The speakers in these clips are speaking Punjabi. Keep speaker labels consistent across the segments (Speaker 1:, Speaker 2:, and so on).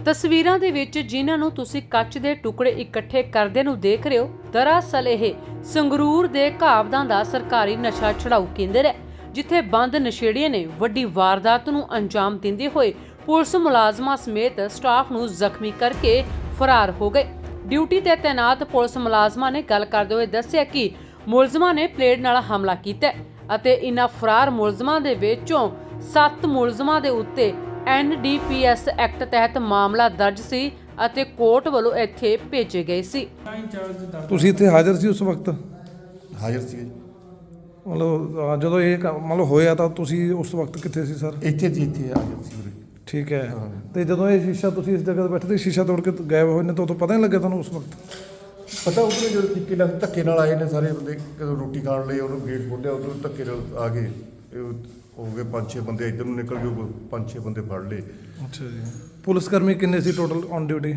Speaker 1: ਤਸਵੀਰਾਂ ਦੇ ਵਿੱਚ ਜਿਨ੍ਹਾਂ ਨੂੰ ਤੁਸੀਂ ਕੱਚ ਦੇ ਟੁਕੜੇ ਇਕੱਠੇ ਕਰਦੇ ਨੂੰ ਦੇਖ ਰਹੇ ਹੋ, ਦਰਅਸਲ ਇਹ ਸੰਗਰੂਰ ਦੇ ਘਾਬਦਾਂ ਦਾ ਸਰਕਾਰੀ ਨਸ਼ਾ ਛੁਡਾਊ ਕੇਂਦਰ ਹੈ, ਜਿੱਥੇ ਬੰਦ ਨਸ਼ੇੜੀਆਂ ਨੇ ਵੱਡੀ ਵਾਰਦਾਤ ਨੂੰ ਅੰਜਾਮ ਦਿੰਦੇ ਹੋਏ ਪੁਲਿਸ ਮੁਲਾਜ਼ਮਾਂ ਸਮੇਤ ਸਟਾਫ ਨੂੰ ਜ਼ਖਮੀ ਕਰਕੇ ਫਰਾਰ ਹੋ ਗਏ। ਡਿਊਟੀ ਤੇ ਤੈਨਾਤ ਪੁਲਿਸ ਮੁਲਾਜ਼ਮਾਂ ਨੇ ਗੱਲ ਕਰਦੇ ਹੋਏ ਦੱਸਿਆ ਕਿ ਮੁਲਜ਼ਮਾਂ ਨੇ ਪਲੇਡ ਨਾਲ ਹਮਲਾ ਕੀਤਾ ਅਤੇ ਇਨ੍ਹਾਂ ਫਰਾਰ ਮੁਲਜ਼ਮਾਂ ਦੇ ਵਿੱਚੋਂ 7 ਮੁਲਜ਼ਮਾਂ ਦੇ ਉੱਤੇ NDPS ਐਕਟ ਤਹਿਤ ਮਾਮਲਾ ਦਰਜ ਸੀ ਅਤੇ ਕੋਰਟ ਵੱਲੋਂ ਇੱਥੇ ਭੇਜੇ ਗਏ ਸੀ।
Speaker 2: ਤੁਸੀਂ ਇੱਥੇ ਹਾਜ਼ਰ ਸੀ ਉਸ ਵਕਤ?
Speaker 3: ਹਾਜ਼ਰ ਸੀ ਜੀ।
Speaker 2: ਮਤਲਬ ਜਦੋਂ ਇਹ ਮਤਲਬ ਹੋਇਆ ਤਾਂ ਤੁਸੀਂ ਉਸ ਵਕਤ ਕਿੱਥੇ ਸੀ ਸਰ?
Speaker 3: ਇੱਥੇ ਹਾਜ਼ਰ ਸੀ ਉਰੇ।
Speaker 2: ਠੀਕ ਹੈ। ਤੇ ਜਦੋਂ ਇਹ ਸ਼ੀਸ਼ਾ ਤੁਸੀਂ ਇਸ ਜਗ੍ਹਾ ਤੇ ਬੈਠੇ ਸੀ, ਸ਼ੀਸ਼ਾ ਤੋੜ ਕੇ ਗਾਇਬ ਹੋਏ ਨੇ, ਤਾਂ ਉਦੋਂ ਪਤਾ ਨਹੀਂ ਲੱਗਿਆ ਤੁਹਾਨੂੰ ਉਸ ਵਕਤ?
Speaker 3: ਪਤਾ ਉਧਰ ਜਦੋਂ ਤਰੀਕੇ ਨਾਲ ਧੱਕੇ ਨਾਲ ਆਏ ਨੇ ਸਾਰੇ ਬੰਦੇ, ਕਦੋਂ ਰੋਟੀ ਖਾਣ ਲਈ ਉਹਨੂੰ ਗੇਟ ਖੋਲ੍ਹਿਆ, ਉਦੋਂ ਧੱਕੇ ਨਾਲ ਆ ਗਏ। ਹੋ ਗਏ 5-6 ਬੰਦੇ ਇੱਧਰ ਨੂੰ ਨਿਕਲ ਗਏ, 5-6 ਬੰਦੇ ਫੜ ਲਏ। ਅੱਛਾ ਜੀ।
Speaker 2: ਪੁਲਿਸ ਕਰਮੀ ਕਿੰਨੇ ਸੀ ਟੋਟਲ ਔਨ ਡਿਊਟੀ?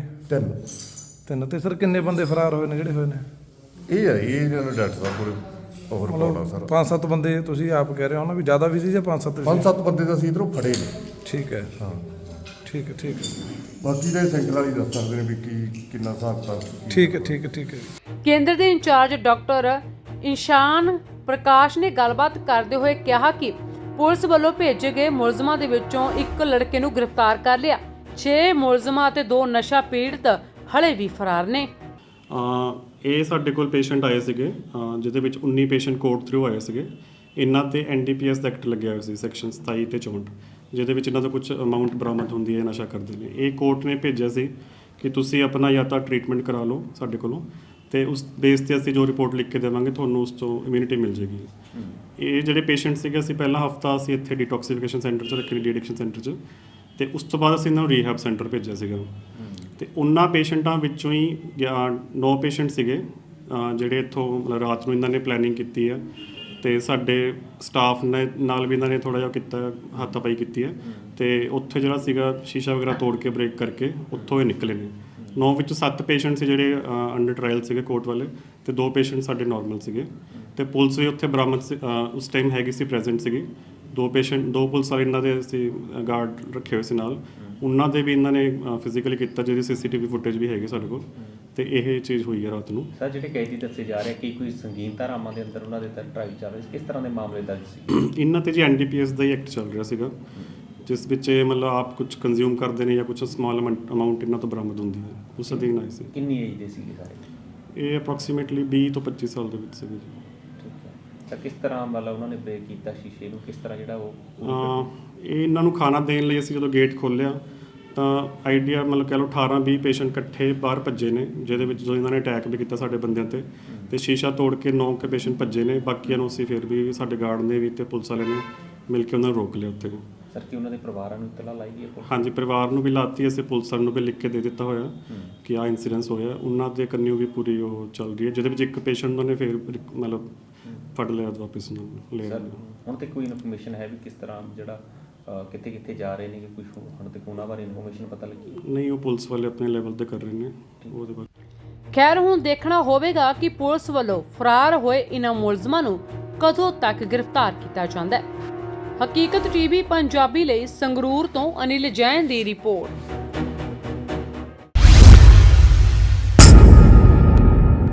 Speaker 3: 3।
Speaker 2: ਤੇ ਸਰ ਕਿੰਨੇ ਬੰਦੇ ਫਰਾਰ ਹੋਏ ਨੇ ਜਿਹੜੇ ਹੋਏ ਨੇ?
Speaker 3: ਇਹ ਡਾਕਟਰ ਸਾਹਿਬ ਕੋਲ ਹੋਰ ਪਾਉਣਾ ਸਰ।
Speaker 2: 5-7 ਬੰਦੇ ਤੁਸੀਂ ਆਪ ਕਹਿ ਰਹੇ ਹੋ ਨਾ ਵੀ ਜ਼ਿਆਦਾ ਵੀ ਸੀ ਜਾਂ 5-7?
Speaker 3: 5-7 ਬੰਦੇ ਤਾਂ ਅਸੀਂ ਇੱਧਰੋਂ ਫੜੇ ਨੇ।
Speaker 2: ਠੀਕ ਹੈ। ਹਾਂ ਠੀਕ ਹੈ।
Speaker 3: ਬਾਕੀ ਦੇ ਸੈਂਟਰ ਵਾਲੀ ਦੱਸ ਸਕਦੇ ਨੇ ਵੀ ਕਿੰਨਾ ਹਿਸਾਬ ਤਾਂ। ਠੀਕ
Speaker 2: ਹੈ।
Speaker 1: ਕੇਂਦਰ ਦੇ ਇੰਚਾਰਜ ਡਾਕਟਰ ਇਸ਼ਾਨ ਪ੍ਰਕਾਸ਼ ਨੇ ਗੱਲਬਾਤ ਕਰਦੇ ਹੋਏ ਕਿਹਾ ਕਿ ਪੁਲਿਸ ਵੱਲੋਂ ਭੇਜੇ ਗਏ ਮੁਲਜ਼ਮਾਂ ਦੇ ਵਿੱਚੋਂ ਇੱਕ ਲੜਕੇ ਨੂੰ ਗ੍ਰਿਫਤਾਰ ਕਰ ਲਿਆ। 6 ਮੁਲਜ਼ਮਾਂ ਅਤੇ 2 ਨਸ਼ਾ ਪੀੜਤ ਹਲੇ ਵੀ ਫਰਾਰ ਨੇ।
Speaker 4: ਇਹ ਸਾਡੇ ਕੋਲ ਪੇਸ਼ੈਂਟ ਆਏ ਸੀਗੇ, ਜਿਹਦੇ ਵਿੱਚ 19 ਪੇਸ਼ੈਂਟ ਕੋਰਟ ਥਰੂ ਆਏ ਸੀਗੇ। ਇਹਨਾਂ ਤੇ NDPS ਐਕਟ ਲੱਗਿਆ ਹੋਇਆ ਸੀ, ਸੈਕਸ਼ਨ 27 ਤੇ 64, ਜਿਹਦੇ ਵਿੱਚ ਇਹਨਾਂ ਦਾ ਕੁਝ ਅਮਾਊਂਟ ਬਰਾਮਦ ਹੁੰਦੀ ਹੈ, ਨਸ਼ਾ ਕਰਦੇ ਨੇ। ਇਹ ਕੋਰਟ ਨੇ ਭੇਜਿਆ ਸੀ ਕਿ ਤੁਸੀਂ ਆਪਣਾ ਜਾਂ ਤਾਂ ਟ੍ਰੀਟਮੈਂਟ ਕਰਾ ਲਓ ਸਾਡੇ ਕੋਲੋਂ, ਤੇ ਉਸ ਬੇਸ ਤੇ ਅਸੀਂ ਜੋ ਰਿਪੋਰਟ ਲਿਖ ਕੇ ਦੇਵਾਂਗੇ ਤੁਹਾਨੂੰ ਉਸ ਤੋਂ ਇਮਿਊਨਿਟੀ ਮਿਲ ਜੇਗੀ। ਇਹ ਜਿਹੜੇ ਪੇਸ਼ੈਂਟ ਸੀਗੇ, ਅਸੀਂ ਪਹਿਲਾ ਹਫਤਾ ਅਸੀਂ ਇੱਥੇ ਡੀਟੌਕਸੀਫਿਕੇਸ਼ਨ ਸੈਂਟਰ 'ਚ ਰੱਖੇ, ਡੀ ਐਡਿਕਸ਼ਨ ਸੈਂਟਰ 'ਚ, ਤੇ ਉਸ ਤੋਂ ਬਾਅਦ ਅਸੀਂ ਇਹਨਾਂ ਨੂੰ ਰੀਹੈਬ ਸੈਂਟਰ ਭੇਜਿਆ ਸੀਗਾ। ਤੇ ਉਹਨਾਂ ਪੇਸ਼ੈਂਟਾਂ ਵਿੱਚੋਂ ਹੀ 9 ਪੇਸ਼ੈਂਟ ਸੀਗੇ ਜਿਹੜੇ ਇੱਥੋਂ ਮਤਲਬ ਰਾਤ ਨੂੰ ਇਹਨਾਂ ਨੇ ਪਲੈਨਿੰਗ ਕੀਤੀ ਆ, ਤੇ ਸਾਡੇ ਸਟਾਫ ਨੇ ਨਾਲ ਵੀ ਇਹਨਾਂ ਨੇ ਥੋੜ੍ਹਾ ਜਿਹਾ ਕੀਤਾ, ਹੱਥਾਪਾਈ ਕੀਤੀ ਹੈ, ਤੇ ਉੱਥੇ ਜਿਹੜਾ ਸੀਗਾ ਸ਼ੀਸ਼ਾ ਵਗੈਰਾ ਤੋੜ ਕੇ ਬ੍ਰੇਕ ਕਰਕੇ ਉੱਥੋਂ ਇਹ ਨਿਕਲੇ ਨੇ। 9 ਵਿੱਚੋਂ 7 ਪੇਸ਼ੈਂਟ ਸੀ ਜਿਹੜੇ ਅੰਡਰ ਟਰਾਇਲ ਸੀਗੇ ਕੋਰਟ ਵਾਲੇ, ਤੇ 2 ਪੇਸ਼ੈਂਟ ਸਾਡੇ ਨਾਰਮਲ ਸੀਗੇ। ਤੇ ਪੁਲਿਸ ਵੀ ਉੱਥੇ ਬਰਾਮਦ ਉਸ ਟਾਈਮ ਹੈਗੀ ਸੀ, ਪ੍ਰੈਜ਼ੈਂਟ ਸੀਗੀ। 2 ਪੁਲਿਸ ਵਾਲੇ ਇਹਨਾਂ ਦੇ ਅਸੀਂ ਗਾਰਡ ਰੱਖੇ ਹੋਏ ਸੀ ਨਾਲ, ਉਹਨਾਂ ਦੇ ਵੀ ਇਹਨਾਂ ਨੇ ਫਿਜ਼ੀਕਲੀ ਕੀਤਾ, ਜਿਹਦੀ CCTV ਫੁਟੇਜ ਵੀ ਹੈਗੀ ਸਾਡੇ ਕੋਲ। ਤੇ ਇਹ ਚੀਜ਼ ਹੋਈ ਹੈ ਰਾਤ ਨੂੰ।
Speaker 5: ਸਰ, ਜਿਹੜੇ ਕੈਦੀ ਦੱਸੇ ਜਾ ਰਹੇ ਕਿ ਕੋਈ ਸੰਗੀਨ ਧਾਰਾਵਾਂ ਦੇ ਅੰਦਰ ਉਹਨਾਂ ਦੇ ਤਹਿਤ ਟਰਾਇਲ ਚੱਲ ਰਹੀ ਸੀ, ਕਿਸ ਤਰ੍ਹਾਂ ਦੇ ਮਾਮਲੇ ਦਰਜ ਸੀ?
Speaker 4: ਇਹਨਾਂ ਤੇ ਜੀ NDPS ਦਾ ਹੀ ਐਕਟ ਚੱਲ ਰਿਹਾ ਸੀਗਾ, ਜਿਸ ਵਿੱਚ ਇਹ ਮਤਲਬ ਆਪ ਕੁਝ ਕੰਜ਼ਿਊਮ ਕਰਦੇ ਨੇ ਜਾਂ ਕੁਝ ਸਮਾਲ ਅਮਾਊਂਟ ਇਹਨਾਂ ਤੋਂ ਬਰਾਮਦ ਹੁੰਦੀ ਹੈ, ਉਸ ਅਧੀਨ ਆਏ ਸੀ।
Speaker 5: ਕਿੰਨੀ ਏਜ ਦੇ ਸੀਗੇ ਸਾਰੇ?
Speaker 4: ਇਹ ਅਪਰੋਕਸੀਮੇਟਲੀ 20 ਤੋਂ 25 ਸਾਲ ਦੇ ਵਿੱਚ ਸੀਗੇ ਜੀ।
Speaker 5: ਠੀਕ ਹੈ। ਤਾਂ ਕਿਸ ਤਰ੍ਹਾਂ ਮਤਲਬ ਉਹਨਾਂ ਨੇ ਬ੍ਰੇਕ ਕੀਤਾ ਸ਼ੀਸ਼ੇ ਨੂੰ, ਕਿਸ ਤਰ੍ਹਾਂ ਜਿਹੜਾ ਉਹ
Speaker 4: ਇਹ ਇਹਨਾਂ ਨੂੰ ਖਾਣਾ ਦੇਣ ਲਈ ਅਸੀਂ ਜਦੋਂ ਗੇਟ ਖੋਲ੍ਹਿਆ ਤਾਂ ਆਈਡੀਆ ਮਤਲਬ ਕਹਿ ਲਓ 18-20 ਪੇਸ਼ੈਂਟ ਇਕੱਠੇ ਬਾਹਰ ਭੱਜੇ ਨੇ, ਜਿਹਦੇ ਵਿੱਚ ਜੋ ਇਹਨਾਂ ਨੇ ਅਟੈਕ ਵੀ ਕੀਤਾ ਸਾਡੇ ਬੰਦਿਆਂ ਤੇ ਸ਼ੀਸ਼ਾ ਤੋੜ ਕੇ 9 ਕੇ ਪੇਸ਼ੈਂਟ ਭੱਜੇ ਨੇ। ਬਾਕੀਆਂ ਨੂੰ ਅਸੀਂ ਫਿਰ ਵੀ ਸਾਡੇ ਗਾਰਡ ਨੇ ਵੀ ਤੇ ਪੁਲਿਸ ਵਾਲਿਆਂ ਨੇ ਮਿਲ ਕੇ ਉਹਨਾਂ ਨੂੰ ਰੋਕ ਲਿਆ ਉੱਥੇ।
Speaker 5: ਸਰ, ਕੀ ਉਹਨਾਂ ਦੇ ਪਰਿਵਾਰਾਂ ਨੂੰ ਇਤਲਾ ਲਾਈ ਗਈ ਹੈ?
Speaker 4: ਹਾਂਜੀ, ਪਰਿਵਾਰ ਨੂੰ ਵੀ ਲਾਤੀ, ਅਸੀਂ ਪੁਲਿਸ ਨੂੰ ਵੀ ਲਿਖ ਕੇ ਦੇ ਦਿੱਤਾ ਹੋਇਆ ਕਿ ਆਹ ਇਨਸੀਡੈਂਸ ਹੋਇਆ। ਉਹਨਾਂ ਦੇ ਕੰਨਿਓ ਵੀ ਪੂਰੀ ਉਹ ਚੱਲ ਰਹੀ ਹੈ, ਜਿਹਦੇ ਵਿੱਚ ਇੱਕ ਪੇਸ਼ੈਂਟ ਨੇ ਫਿਰ ਮਤਲਬ ਫੜ ਲਿਆ ਵਾਪਿਸ ਨੂੰ ਲੈ ਲਿਆ।
Speaker 5: ਹੁਣ ਤੇ ਕੋਈ ਇਨਫੋਰਮੇਸ਼ਨ ਹੈ ਵੀ ਕਿਸ ਤਰ੍ਹਾਂ ਜਿਹੜਾ ਕਿੱਥੇ ਜਾ ਰਹੇ ਨੇ, ਕਿ ਕੁਝ ਹੁਣ ਤੱਕ ਉਹਨਾਂ ਬਾਰੇ ਇਨਫੋਰਮੇਸ਼ਨ ਪਤਾ ਲੱਗੀ?
Speaker 4: ਨਹੀਂ, ਉਹ ਪੁਲਿਸ ਵਾਲੇ ਆਪਣੇ ਲੈਵਲ ਤੇ ਕਰ ਰਹੇ ਨੇ ਉਹਦੇ ਬਾਰੇ।
Speaker 1: ਖੈਰ, ਹੁਣ ਦੇਖਣਾ ਹੋਵੇਗਾ ਕਿ ਪੁਲਿਸ ਵੱਲੋਂ ਫਰਾਰ ਹੋਏ ਇਨ੍ਹਾਂ ਮੁਲਜ਼ਮਾਂ ਨੂੰ ਕਦੋਂ ਤੱਕ ਗ੍ਰਿਫਤਾਰ ਕੀਤਾ ਜਾਂਦਾ ਹੈ। ਹਕੀਕਤ TV ਪੰਜਾਬੀ ਲਈ ਸੰਗਰੂਰ ਤੋਂ ਅਨਿਲ ਜੈਨ ਦੀ ਰਿਪੋਰਟ।